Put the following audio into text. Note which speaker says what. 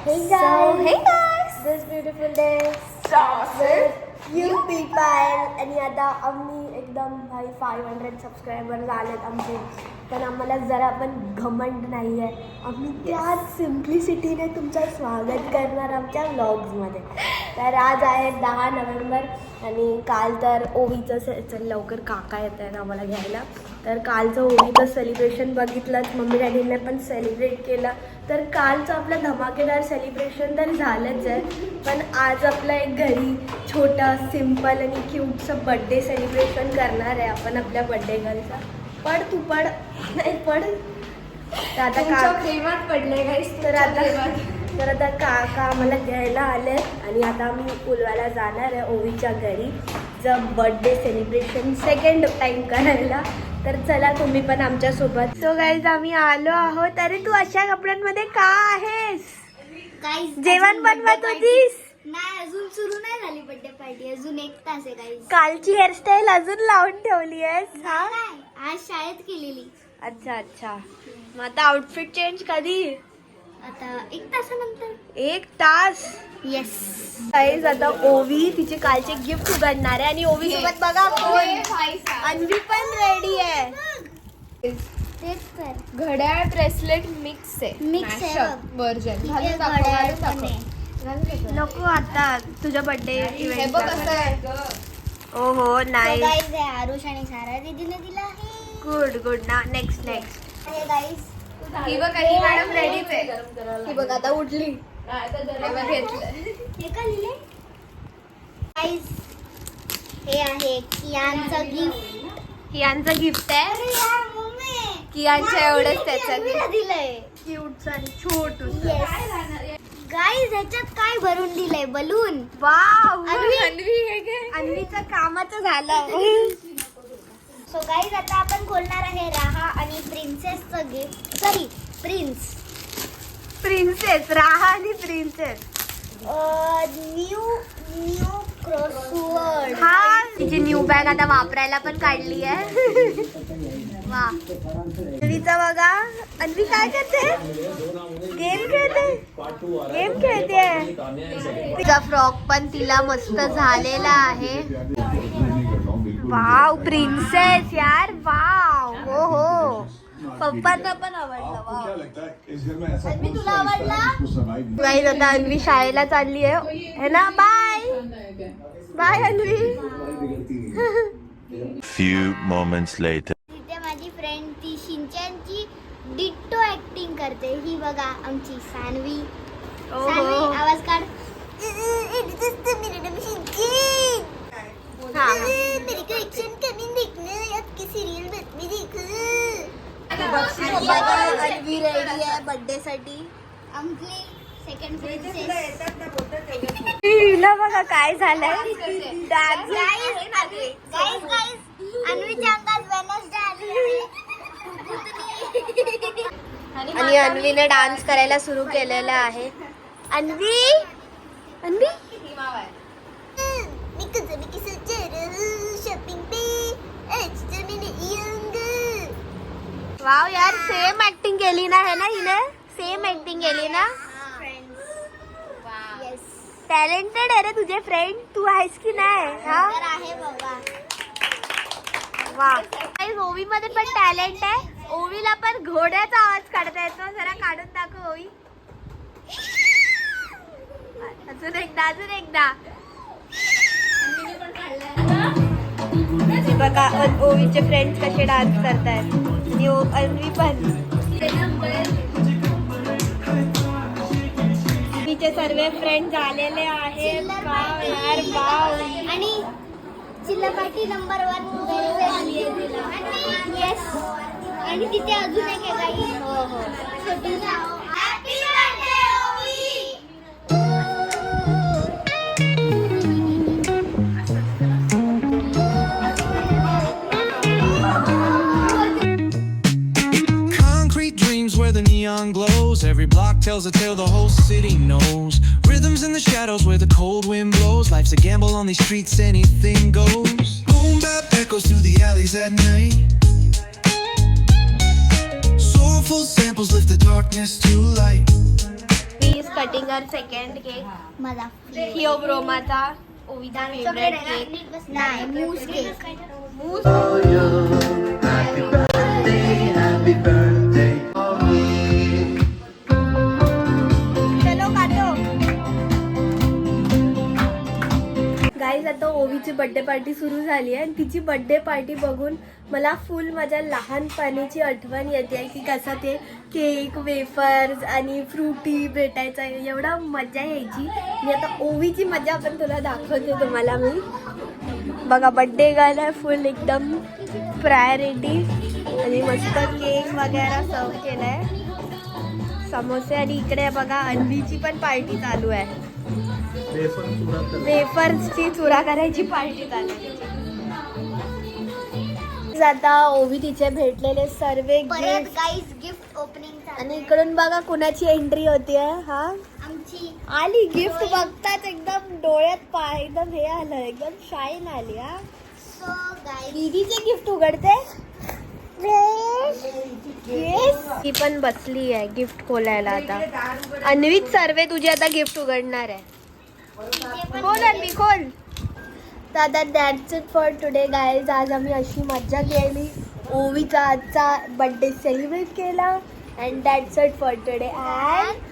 Speaker 1: Hey guys,
Speaker 2: hey guys,
Speaker 1: this beautiful day
Speaker 2: Sausage.
Speaker 1: you people. आणि आता आम्ही एकदम भाई 500 सबस्क्रायबर झालेत आमचे, पण आम्हाला जरा पण घमंड नाही आहे. आम्ही त्याच सिम्प्लिसिटीने तुमचं स्वागत करणार आमच्या व्लॉग्समध्ये. तर आज आहे 10 नोव्हेंबर आणि काल तर ओवीचं लवकर काका येत आहेत आम्हाला घ्यायला. तर कालचं ओवीचं सेलिब्रेशन बघितलं, मम्मी डॅडीने पण सेलिब्रेट केलं. तर कालचं आपलं धमाकेदार सेलिब्रेशन तर झालंच आहे, पण आज आपलं एक घरी छोटा सिम्पल आणि क्यूटचं बड्डे सेलिब्रेशन करणार आहे आपण आपल्या बड्डे गर्लचा. पड तू पड, नाही पड. तर आता
Speaker 2: प्रेमात पडले गाईस.
Speaker 1: तर आता काका आम्हाला घ्यायला आले आणि आता आम्ही पुलवाला जाणार आहे ओवीच्या घरी जर बर्थडे सेलिब्रेशन सेकंड टाइम करायला. तर चला तुम्ही पण आमच्यासोबत. सो गाईज आम्ही आलो आहोत. अरे तू अशा कपड्यांमध्ये का आहेस? जेवण बनवत होतीस?
Speaker 3: नाही, अजून सुरू नाही झाली बर्थडे पार्टी. अजून 1 तास आहे गाईस.
Speaker 1: कालची हेअरस्टाईल अजून लावून ठेवली आहेस? हा,
Speaker 3: आज शाळेत केलेली.
Speaker 1: अच्छा. मग आता आउटफिट चेंज कधी?
Speaker 3: आता 1 तासानंतर.
Speaker 1: 1 तास?
Speaker 3: येस.
Speaker 1: गाईज आता ओवी तिचे कालचे गिफ्ट उघडणार आहे आणि ओवी सोबत बघा कोण, अन्वी पण रेडी आहे.
Speaker 3: तेच तर
Speaker 2: घड्याळ ब्रेसलेट मिक्स आहे.
Speaker 3: मिक्स आहे
Speaker 2: व्हर्जन.
Speaker 3: इथे घड्याळ पण आहे.
Speaker 1: नको आता तुझ्या बर्थडे
Speaker 2: हे
Speaker 1: इव्हेंट.
Speaker 2: बघ कसं आहे.
Speaker 1: ओहो नाही.
Speaker 3: गाईस आहे आरुष आणि सारा दीदीने दिला आहे.
Speaker 1: गुड ना. नेक्स्ट
Speaker 3: हे गाईस
Speaker 2: ही बघ ही मॅडम रेडीच आहे. ही बघ आता उठली. हे बघ घेतलं.
Speaker 3: हे का लिहिले गाईस? हे आहे कियानचं गिफ्ट.
Speaker 1: कियांचं गिफ्ट आहे.
Speaker 3: अरे यार मम्मी,
Speaker 2: कियांच्या एवढंच त्याचं
Speaker 3: अन्वीला दिलंय.
Speaker 1: क्यूट आणि छोटू.
Speaker 3: गाईस ह्याच्यात काय भरून दिलंय? बलून.
Speaker 1: वाव,
Speaker 2: अन्वी हे घे.
Speaker 1: अन्वीचं कामाचं झालं.
Speaker 3: सो गाईज आता आपण खोलणार आहे राहा आणि प्रिन्सेसचं गिफ्ट. Sorry,
Speaker 1: princess. राहा आणि प्रिन्सेस.
Speaker 3: New crossword.
Speaker 1: हा, तिची न्यू बॅग आता वापरायला पण काढली आहे. वा, अन्वीचा बघा. अन्वी काय करते? गेम खेळते. तिचा फ्रॉक पण तिला मस्त झालेला आहे. वाव, प्रिन्सेस यार. वाव, हो. पप्पांना पण आवडलं. वाव.
Speaker 3: अन्वी तुला आवडला?
Speaker 1: गाईज आता अन्वी शाळेला चालली आहे ना. Bye Anvi.
Speaker 4: Few moments later.
Speaker 3: तिथे माझी फ्रेंड ती शिंचनची डिट्टो ऍक्टिंग करते. ही बघा आमची सानवी. सानवी आवाज काढ. मेरी को एक्शन कमिंग देखना है. आपकी सीरियल में देखो.
Speaker 1: अन्वी रेडी आहे बर्थडे साठी.
Speaker 3: आमची सेकंड प्रिन्सेस.
Speaker 1: हिला बघा काय झालंय.
Speaker 3: गाईस अन्वीच्या अंगात वेनसडे आली आहे.
Speaker 1: आणि अन्वीने डान्स करायला सुरू केलेला आहे. अन्वी
Speaker 3: शॉपिंग पे
Speaker 1: वाव यार, सेम ऍक्टिंग केली ना. है ना हिने? सेम ऍक्टिंग केली ना. टॅलेंटेड आहे रे तुझे फ्रेंड. तू आहेस की नाही? हा,
Speaker 3: आहे बाबा.
Speaker 1: वा, ओवी मध्ये पण टॅलेंट आहे. ओवीला पण घोड्याचा आवाज काढता येतो. जरा काढून दाखव ओवी. अजून एकदा. बघा ओवीचे फ्रेंड्स कसे डान्स करतायत. आणि अन्वी पण. तिचे सर्व फ्रेंड झालेले आहेत. वाव यार, वाव.
Speaker 3: आणि चिल्लापाटी नंबर 1 येस. आणि तिथे अजून एक आहे काही.
Speaker 1: हो.
Speaker 3: छोटूसा happy birthday Ovi.
Speaker 5: Concrete dreams where the neon glows. Every block tells a tale the whole city knows. Rhythms in the shadows where the cold wind blows. Life's a gamble on these streets, anything goes. Boom bap echoes through the alleys at night. Soulful samples lift the darkness to light.
Speaker 1: Cutting our second cake
Speaker 3: मला
Speaker 1: थिओब्रोमाचा ओवीचा favourite cake
Speaker 3: नाही मूस cake
Speaker 1: चलो काटो guys आता ओवीची birthday party सुरू झाली आहे आणि तिची बर्थडे पार्टी बघून मला फुल माझ्या लहानपणीची आठवण येते की कसं ते केक वेफर्स आणि फ्रुटी भेटायचं एवढा मजा यायची. मी आता ओवीची मजा पण तुला दाखवते तुम्हाला मी. बघा बर्थडे गर्ल आहे फुल एकदम प्रायोरिटी आणि मस्त केक वगैरे सर्व केला आहे समोसे आणि इकडे बघा अन्वीची पण पार्टी चालू आहे. वेफर्सची चुरा करायची पार्टी चालू आहे. आता ओवी तिचे भेटलेले सर्व
Speaker 3: परत गाईज गिफ्ट ओपनिंग
Speaker 1: आणि इकडून बघा कुणाची एंट्री होतीये. हा
Speaker 3: आमची
Speaker 1: आली गिफ्ट बघताच एकदम डोळ्यात एकदम हे आलं एकदम शाईन आली. हा
Speaker 3: सो गाईज
Speaker 1: दीदीचे गिफ्ट उघडते. येस ती पण बसली आहे गिफ्ट खोलायला. आता अन्वीत सर्वे तुझी आता गिफ्ट उघडणार आहे. खोल अन्वी खोल. तर आता that's it for today guys. आज आम्ही अशी मज्जा केली ओवीचा आजचा बर्थडे सेलिब्रेट केला and that's it for today and